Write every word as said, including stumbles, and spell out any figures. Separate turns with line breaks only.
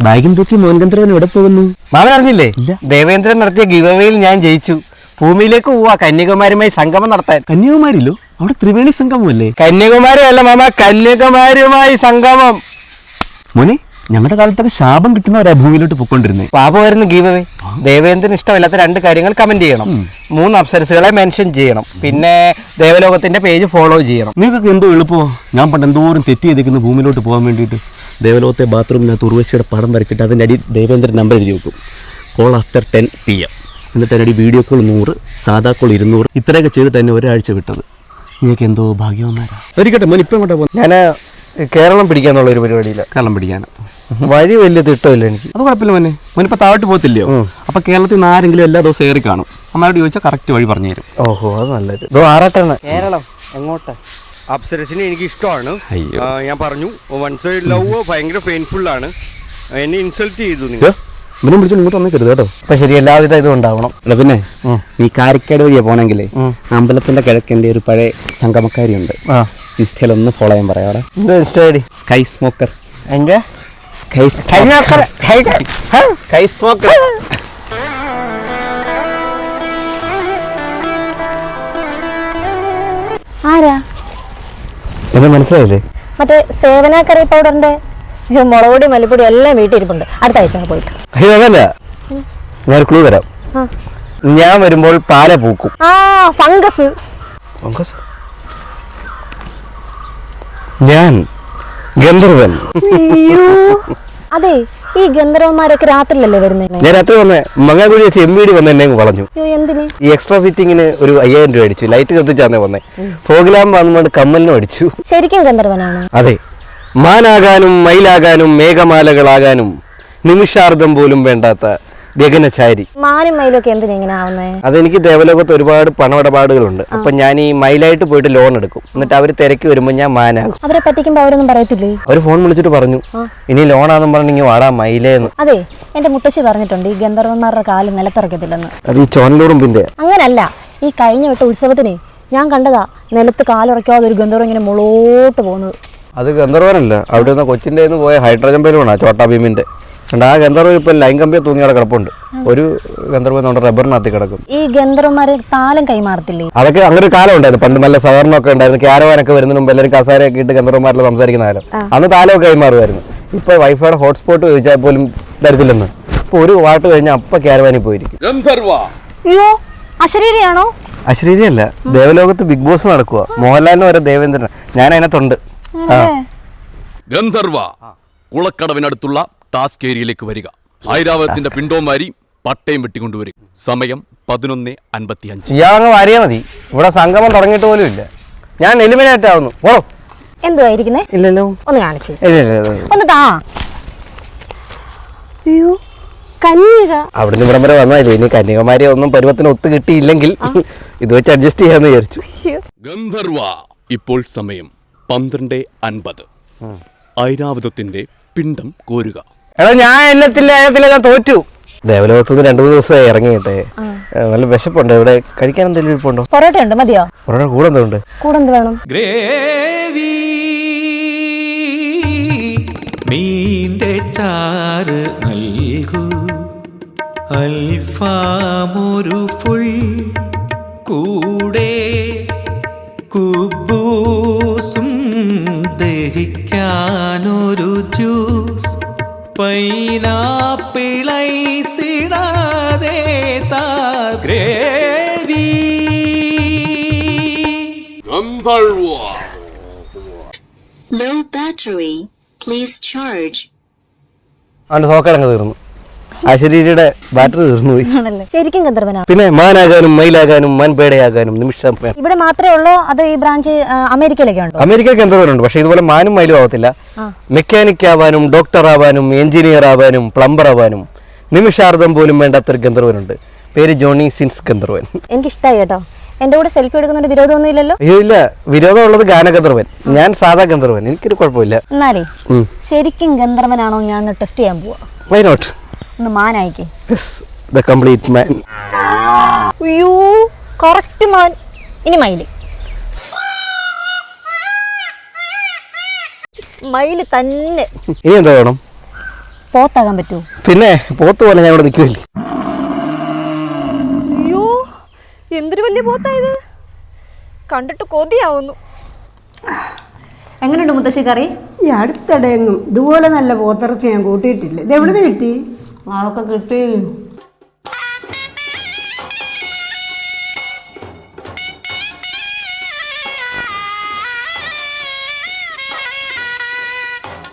ബാഗും തൂക്കി മോൻഗന്ധർവൻ എവിടെ പോകുന്നു?
മാമൻ അറിഞ്ഞില്ലേ? ദേവേന്ദ്രൻ നടത്തിയ ഗിവവേയിൽ ഞാൻ ജയിച്ചു. ഭൂമിയിലേക്ക് പോവാ കന്യാകുമാരിയുമായി സംഗമം നടത്താൻ.
കന്യാകുമാരിയിലോ? അവിടെ ത്രിവേണി സംഗമല്ലേ?
കന്യാകുമാരി അല്ല മാമ, കന്യാകുമാരിയുമായി സംഗമം.
മോനെ, ഞങ്ങളുടെ കാലത്തൊക്കെ ശാപം കിട്ടുന്നവരാ ഭൂമിയിലോട്ട് പൊക്കോണ്ടിരുന്നേ.
പാപമായിരുന്നു ഗീവവേ. ദേവേന്ദ്രൻ ഇഷ്ടമില്ലാത്ത രണ്ട് കാര്യങ്ങൾ കമന്റ് ചെയ്യണം. മൂന്ന് അപ്സരസുകളെ മെൻഷൻ ചെയ്യണം. പിന്നെ ദേവലോകത്തിന്റെ പേജ് ഫോളോ ചെയ്യണം.
നിങ്ങൾക്കൊക്കെ എന്തോ എളുപ്പമോ? ഞാൻ പണ്ട് എന്തോരം തെറ്റ് ചെയ്തേക്കുന്നു ഭൂമിയിലോട്ട് പോകാൻ വേണ്ടിയിട്ട്. ദേവലോകത്തെ ബാത്റൂമിനകത്ത് ഉർവശിയുടെ പടം വരച്ചിട്ട് അതിൻ്റെ അടി ദേവേന്ദ്രൻ നമ്പർ എഴുതി വെക്കും. Call after ten P M. എന്നിട്ട് അതിനടി വീഡിയോ കോൾ നൂറ്, സാധാ കോൾ ഇരുന്നൂറ്, ഇത്രയൊക്കെ ചെയ്തിട്ട് തന്നെ ഒരാഴ്ച വിട്ടത്. നിങ്ങൾക്ക് എന്തോ ഭാഗ്യവന്മാരാ. ഒരിക്കട്ടെ മോൻ ഇപ്പം എങ്ങോട്ടാ പോകുന്നത്?
ഞാൻ കേരളം പിടിക്കാന്നുള്ള ഒരു പരിപാടിയില്ല.
കേരളം പിടിക്കാനാ?
വഴി വലിയ തിട്ടമില്ല എനിക്ക്.
അത് കുഴപ്പമില്ല മോനെ. മോനിപ്പോൾ താഴോട്ട് പോകത്തില്ലയോ? അപ്പോൾ കേരളത്തിൽ നിന്ന് ആരെങ്കിലും എല്ലാ ദിവസവും ഏറി കാണും. അമ്മയോട് ചോദിച്ചാൽ കറക്റ്റ് വഴി പറഞ്ഞു തരും.
ഓഹോ, അത് നല്ലത്. ഇതോ ആറാട്ടാണ് കേരളം. എങ്ങോട്ടാ? അപ്സരസിനെ എനിക്ക് ഇഷ്ടമാണ്. ഞാൻ പറഞ്ഞു വൺ സൈഡ് ലവ് ഭയങ്കര പെയിൻഫുൾ ആണ്. എന്നെ ഇൻസൾട്ട് ചെയ്തു നിങ്ങൾ.
ഇവനെ വിളിച്ചു ഇങ്ങോട്ട് വന്നേക്കരുത് കേട്ടോ.
അപ്പൊ ശരി, എല്ലാവിധ ഇതും ഉണ്ടാവണം.
അല്ല പിന്നെ നീ കാരിക്കാട് വഴിയാ പോണെങ്കിലേ അമ്പലത്തിന്റെ കിഴക്കിന്റെ ഒരു പഴയ സംഗമക്കാരിയുണ്ട്. ഇൻസ്റ്റയിൽ ഒന്ന് ഫോളോ ചെയ്യാൻ പറയാം. അവിടെ
എന്തോ ഇൻസ്റ്റാ ഐ ഡി?
സ്കൈ സ്മോക്കർ.
എന്റെ
സ്കൈ
സ്കൈ സ്മോക്കർ.
ആരാ?
എന്നെ മനസ്സിലായില്ലേ?
മറ്റേ സേവന കറി പൗഡറിന്റെ മുളകുപൊടി മല്ലിപ്പൊടി എല്ലാം വീട്ടിരിപ്പുണ്ട്. അടുത്ത ആഴ്ച പോയിട്ട്.
അയ്യോ അതല്ല, ഞാൻ ക്ലൂ തരാം. ഞാൻ വരുമ്പോൾ പാല പൂക്കും.
ആ ഫംഗസ്.
ഫംഗസ്? ഞാൻ ഗന്ധർവൻ.
അതെ, ഈ ഗന്ധർവന്മാരൊക്കെ രാത്രിയിലല്ലേ വരുന്നത്?
ഞാൻ രാത്രി വന്നേ മങ്ങാകുഴി വെച്ച് എം വി ഡി വന്ന് എന്നെ കൊളഞ്ഞു.
എന്തിന്?
ഈ എക്സ്ട്രാ ഫിറ്റിങ്ങിന് ഒരു അയ്യായിരം രൂപ അടിച്ചു. ലൈറ്റ് കത്തിച്ചാന്നേ വന്നേ. ഫോഗിലാമ്പ് വന്നുകൊണ്ട് കമ്മലിനും അടിച്ചു.
ശരിക്കും ഗന്ധർവനാണ്?
അതെ, മാനാകാനും മയിലാകാനും മേഘമാലകളാകാനും നിമിഷാർദ്ധം പോലും വേണ്ടാത്ത ഗഗനചാരി.
മാനും മയിലൊക്കെ എന്തിനാ ഇങ്ങനെ ആവുന്നേ?
അതെനിക്ക് ദേവലോകത്ത് ഒരുപാട് പണമിടപാടുകളുണ്ട്. അപ്പൊ ഞാൻ ഈ മയിലായിട്ട് പോയിട്ട് ലോൺ എടുക്കും. എന്നിട്ട് അവർ തിരക്കി വരുമ്പോൾ ഞാൻ മാനാകും.
അവരെ പറ്റിക്കുമ്പോ അവരൊന്നും പറയത്തില്ലേ?
അവര് ഫോൺ വിളിച്ചിട്ട് പറഞ്ഞു ഇനി ലോണാന്നും പറഞ്ഞെങ്കിൽ വാടാ മയിലേന്ന്.
അതെ, എന്റെ മുത്തശ്ശി പറഞ്ഞിട്ടുണ്ട് ഈ ഗന്ധർവന്മാരുടെ കാല് നിലത്തിറക്കത്തില്ലെന്ന്.
അത് ഈ ചോനലുറുമ്പിന്റെ.
അങ്ങനല്ല, ഈ കഴിഞ്ഞ വിട്ട ഉത്സവത്തിന് ഞാൻ കണ്ടതാ നിലത്ത് കാലുറക്കാതെ ഒരു ഗന്ധർവം ഇങ്ങനെ മുളോട്ട് പോകുന്നത്.
അത് ഗന്ധർവനല്ല, അവിടെ നിന്ന് കൊച്ചിൻ്റെ പോയ ഹൈഡ്രജൻ ബലൂണാ ചോട്ടാ ഭീമിന്റെ. ആ ഗന്ധർവൻ ഇപ്പൊ ലൈൻ കമ്പിയെ തൂങ്ങി അവിടെ കിടപ്പുണ്ട്. ഒരു ഗന്ധർവൻ നമ്മുടെ റബ്ബറിനകത്ത് കിടക്കും.
ഈ ഗന്ധർവന്മാര് താലം കൈമാറത്തില്ലേ?
അതൊക്കെ അങ്ങനെ ഒരു കാലം ഉണ്ടായിരുന്നു. പണ്ട് നല്ല സഹകരണമൊക്കെ ഉണ്ടായിരുന്നു. ക്യാരവാനൊക്കെ വരുന്നതിന് മുമ്പ് എല്ലാവരും കസാരയൊക്കെ ഇട്ട് ഗന്ധർവന്മാരിൽ സംസാരിക്കുന്ന കാലം. അന്ന് താലമൊക്കെ കൈമാറുമായിരുന്നു. ഇപ്പൊ വൈഫൈയുടെ ഹോട്ട്സ്പോട്ട് ചോദിച്ചാൽ പോലും തരത്തില്ലെന്ന്. ഇപ്പൊ ഒരു വാട്ട് കഴിഞ്ഞാൽ അപ്പൊ ക്യാരവാനിൽ പോയിരിക്കും.
അയ്യോ, അശരീരിയാണോ?
അശരീരിയല്ല, ദേവലോകത്ത് ബിഗ് ബോസ് നടക്കുക. മോഹൻലാലിന് വരെ ദേവേന്ദ്രൻ. ഞാൻ അതിനകത്തുണ്ട്.
ഗന്ധർവ കുളക്കടവിനടുത്തുള്ള ടാസ്ക് ഏരിയയിലേക്ക് വരിക. ഐരാവതത്തിന്റെ പിണ്ടോമാരി പട്ടയം വെട്ടിക്കൊണ്ടുവരും. സമയം പതിനൊന്ന് അൻപത്തി അഞ്ച്.
ഇയാളങ്ങ് വാരിയാ മതി. ഇവിടെ സംഗമം തുടങ്ങിയിട്ട് പോലും ഇല്ല. ഞാൻ എലിമിനേറ്റ് ആവുന്നു. ഓ
എന്തുവായിരിക്കുന്നേ?
ഇല്ലല്ലോ,
ഒന്ന് കാണിച്ചേ.
ഒന്ന്
താ. അയ്യോ, കന്യക.
അവിടുന്ന് ഇവിടം വരെ വന്നാലേ ഇനി കന്യകമാരെ ഒന്നും പരുവത്തിന് ഒത്തു കിട്ടിയില്ലെങ്കിൽ ഇത് വെച്ച് അഡ്ജസ്റ്റ് ചെയ്യാന്ന് വിചാരിച്ചു.
ഗന്ധർവ ഇപ്പോൾ സമയം പന്ത്രണ്ട് അൻപത്. ഐരാവതത്തിന്റെ പിണ്ടം കോരുക.
എടാ ഞാൻ എല്ലാത്തില്ല എല്ലാത്തില്ല ഞാൻ തോറ്റു. ദേവലോകത്തുനിന്ന് രണ്ടു മൂന്ന് ദിവസമായി ഇറങ്ങിയിട്ടെ. നല്ല വിശപ്പുണ്ട്. ഇവിടെ കഴിക്കാൻ എന്തെങ്കിലും ഇരിപ്പുണ്ടോ?
പൊറോട്ട ഉണ്ട്, മതിയോ?
പൊറോട്ട കൂടെ എന്തുണ്ട്?
കൂടെ എന്ത് വേണം?
ഗ്രേവി മീൻ്റെ ചാറ് നൽകൂ, അൽഫാമൊരു ഫുൾ കൂടെ, കുബൂസും ദഹിക്കാനൊരു ജ്യൂസ്, പൈനാപ്പിളൈസിടാതെ താ gravy.
Low battery, please charge.
അവന്റെ സോക്കടങ്ങ് തീർന്നു. അശരീരിയുടെ ബാറ്ററി തീർന്നു പോയി.
ശരിക്കും ഗന്ധർവനാ?
പിന്നെ മാനാകാനും മയിലാകാനും മൻപേടയാകാനും നിമിഷം.
ഇവിടെ മാത്രമേ ഉള്ളൂ? അത് ഈ ബ്രാഞ്ച് അമേരിക്കയിലൊക്കെ ഉണ്ടോ?
അമേരിക്കയ്ക്ക് എന്തോരുണ്ട്. പക്ഷെ ഇതുപോലെ മാനും മയിലും ആവത്തില്ല. മെക്കാനിക് ആവാനും ഡോക്ടർ ആവാനും എഞ്ചിനീയർ ആവാനും പ്ലംബർ ആവാനും നിമിഷാർദ്ധം പോലും വേണ്ടാത്തൊരു ഗന്ധർവനുണ്ട്. പേര് ജോണി സിൻസ് ഗന്ധർവൻ.
എനിക്കിഷ്ടായി കേട്ടോ. എന്റെ കൂടെ സെൽഫി എടുക്കുന്നതിന് വിരോധമൊന്നും ഇല്ലല്ലോ?
അയ്യോ ഇല്ല, വിരോധമുള്ളത് ഗാനഗന്ധർവൻ. ഞാൻ സാധാ ഗന്ധർവൻ. എനിക്കൊരു കുഴപ്പമില്ല.
എന്നാലേ ശരിക്കും ഗന്ധർവനാണോ ഞാൻ ടെസ്റ്റ് ചെയ്യാൻ പോവാ.
Why not?
ഒന്ന് മാനായിക്കേ.
The complete man.
അയ്യോ, കറക്റ്റ് മാൻ. ഇനി മയില്. മയില് തന്നെ.
ഇനി എന്താ വേണം?
പോത്താകാൻ പറ്റുമോ?
പിന്നെ പോത്ത് പോലെ ഞാൻ ഇവിടെ നിൽക്കുമല്ലേ.
അയ്യോ എന്തൊരു വലിയ പോത്തായത്, കണ്ടിട്ട് കൊതിയാവുന്നു. എങ്ങനെയുണ്ട് മുത്തശ്ശി കറി?
ഈ അടുത്തിടെ എങ്ങും ഇതുപോലെ നല്ല പോത്തിറച്ചി ഞാൻ കൂട്ടിയിട്ടില്ല. ഇത് എവിടെ നിന്ന് കിട്ടി?
അതൊക്കെ കിട്ടി.